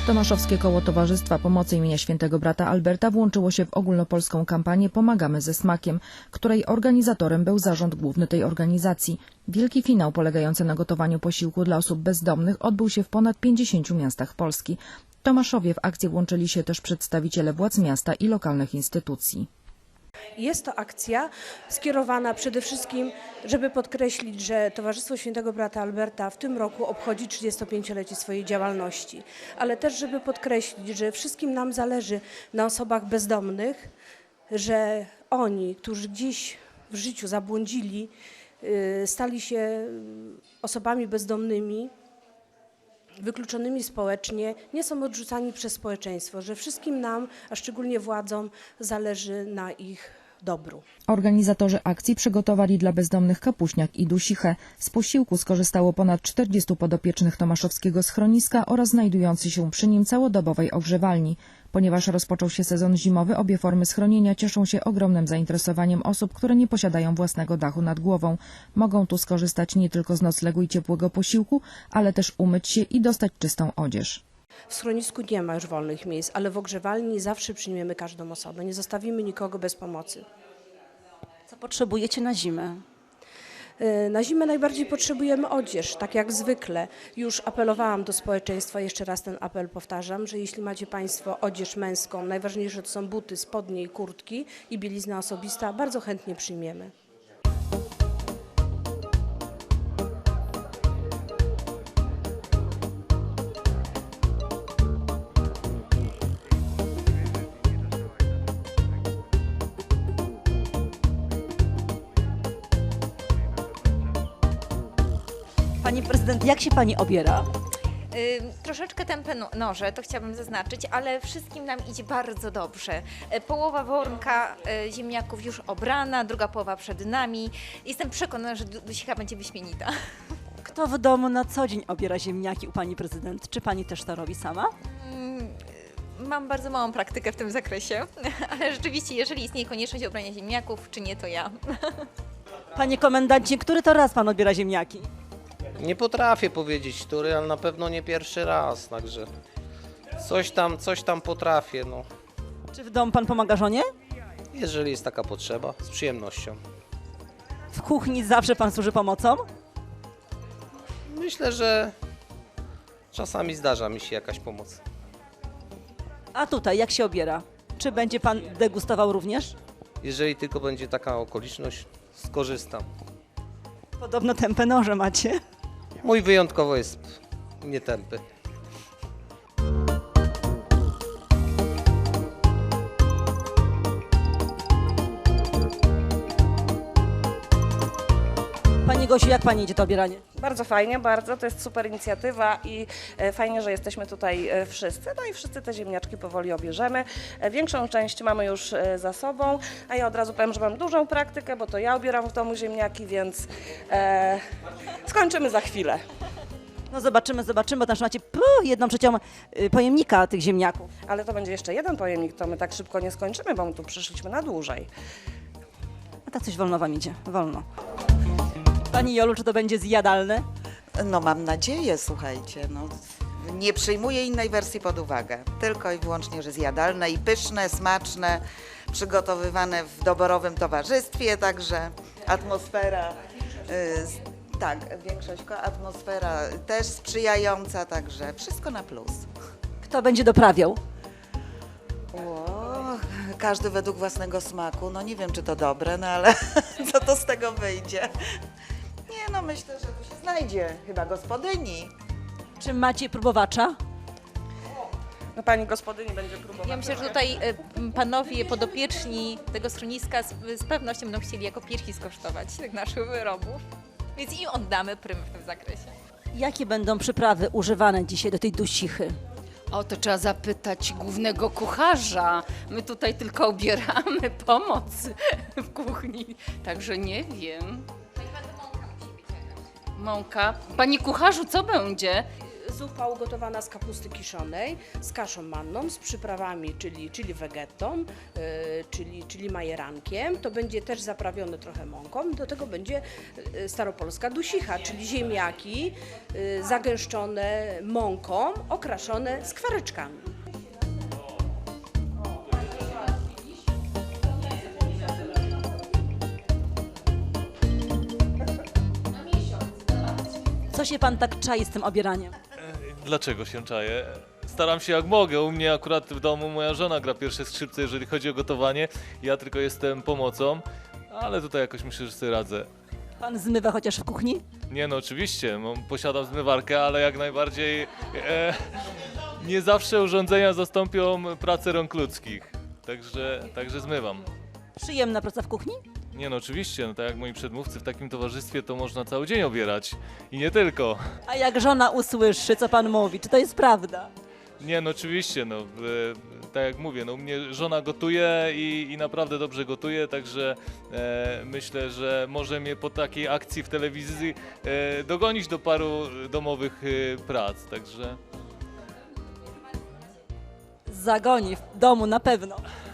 Tomaszowskie Koło Towarzystwa Pomocy imienia Świętego Brata Alberta włączyło się w ogólnopolską kampanię Pomagamy ze smakiem, której organizatorem był zarząd główny tej organizacji. Wielki finał polegający na gotowaniu posiłku dla osób bezdomnych odbył się w ponad 50 miastach Polski. W Tomaszowie w akcję włączyli się też przedstawiciele władz miasta i lokalnych instytucji. Jest to akcja skierowana przede wszystkim, żeby podkreślić, że Towarzystwo Świętego Brata Alberta w tym roku obchodzi 35-lecie swojej działalności, ale też żeby podkreślić, że wszystkim nam zależy na osobach bezdomnych, że oni, którzy gdzieś w życiu zabłądzili, stali się osobami bezdomnymi, wykluczonymi społecznie, nie są odrzucani przez społeczeństwo, że wszystkim nam, a szczególnie władzom, zależy na ich dobru. Organizatorzy akcji przygotowali dla bezdomnych kapuśniak i dusichę. Z posiłku skorzystało ponad 40 podopiecznych tomaszowskiego schroniska oraz znajdującej się przy nim całodobowej ogrzewalni. Ponieważ rozpoczął się sezon zimowy, obie formy schronienia cieszą się ogromnym zainteresowaniem osób, które nie posiadają własnego dachu nad głową. Mogą tu skorzystać nie tylko z noclegu i ciepłego posiłku, ale też umyć się i dostać czystą odzież. W schronisku nie ma już wolnych miejsc, ale w ogrzewalni zawsze przyjmiemy każdą osobę. Nie zostawimy nikogo bez pomocy. Co potrzebujecie na zimę? Na zimę najbardziej potrzebujemy odzież, tak jak zwykle. Już apelowałam do społeczeństwa, jeszcze raz ten apel powtarzam, że jeśli macie Państwo odzież męską, najważniejsze to są buty, spodnie i kurtki i bielizna osobista, bardzo chętnie przyjmiemy. Pani prezydent, jak się pani obiera? Troszeczkę tępe noże, to chciałabym zaznaczyć, ale wszystkim nam idzie bardzo dobrze. Połowa wornka ziemniaków już obrana, druga połowa przed nami. Jestem przekonana, że dusicha będzie wyśmienita. Kto w domu na co dzień obiera ziemniaki u pani prezydent? Czy pani też to robi sama? Mam bardzo małą praktykę w tym zakresie, ale rzeczywiście, jeżeli istnieje konieczność obrania ziemniaków, czy nie, to ja. Panie komendancie, który to raz pan odbiera ziemniaki? Nie potrafię powiedzieć, który, ale na pewno nie pierwszy raz, także coś tam potrafię, no. Czy w domu pan pomaga żonie? Jeżeli jest taka potrzeba, z przyjemnością. W kuchni zawsze pan służy pomocą? Myślę, że czasami zdarza mi się jakaś pomoc. A tutaj jak się obiera? Czy będzie pan degustował również? Jeżeli tylko będzie taka okoliczność, skorzystam. Podobno tępe noże macie. Mój wyjątkowo jest nietępy. Pani Gosiu, jak pani idzie to obieranie? Bardzo fajnie, bardzo. To jest super inicjatywa i fajnie, że jesteśmy tutaj wszyscy. No i wszyscy te ziemniaczki powoli obierzemy. Większą część mamy już za sobą, a ja od razu powiem, że mam dużą praktykę, bo to ja obieram w domu ziemniaki, więc skończymy za chwilę. No zobaczymy, bo tam macie jedną trzecią pojemnika tych ziemniaków. Ale to będzie jeszcze jeden pojemnik, to my tak szybko nie skończymy, bo my tu przyszliśmy na dłużej. A tak coś wolno wam idzie, wolno. Pani Jolu, czy to będzie zjadalne? No mam nadzieję, słuchajcie, no, nie przyjmuję innej wersji pod uwagę. Tylko i wyłącznie, że zjadalne i pyszne, smaczne, przygotowywane w doborowym towarzystwie, także atmosfera, tak, atmosfera też sprzyjająca, także wszystko na plus. Kto będzie doprawiał? Każdy według własnego smaku, no nie wiem, czy to dobre, no ale co to z tego wyjdzie? Nie, no myślę, że tu się znajdzie chyba gospodyni. Czy macie próbowacza? No pani gospodyni będzie próbować. Ja myślę, że tutaj panowie podopieczni tego schroniska z pewnością będą chcieli jako pierwsi skosztować tych naszych wyrobów, więc im oddamy prym w tym zakresie. Jakie będą przyprawy używane dzisiaj do tej dusichy? O, to trzeba zapytać głównego kucharza. My tutaj tylko obieramy pomoc w kuchni, także nie wiem. Mąka. Panie kucharzu, co będzie? zupa ugotowana z kapusty kiszonej, z kaszą manną, z przyprawami, czyli wegetą, czyli majerankiem. To będzie też zaprawione trochę mąką. Do tego będzie staropolska dusicha, czyli ziemniaki zagęszczone mąką, okraszone skwareczkami. Co się pan tak czai z tym obieraniem? Dlaczego się czaję? Staram się jak mogę. U mnie akurat w domu moja żona gra pierwsze skrzypce, jeżeli chodzi o gotowanie. Ja tylko jestem pomocą, ale tutaj jakoś myślę, że sobie radzę. Pan zmywa chociaż w kuchni? Nie no, oczywiście, posiadam zmywarkę, ale jak najbardziej nie zawsze urządzenia zastąpią pracę rąk ludzkich. Także zmywam. Przyjemna praca w kuchni? Nie no, oczywiście, no tak jak moi przedmówcy, w takim towarzystwie to można cały dzień obierać. I nie tylko. A jak żona usłyszy, co pan mówi, czy to jest prawda? Nie no, oczywiście, no, tak jak mówię, no u mnie żona gotuje i naprawdę dobrze gotuje, także myślę, że może mnie po takiej akcji w telewizji dogonić do paru domowych prac, także... Zagoni w domu na pewno.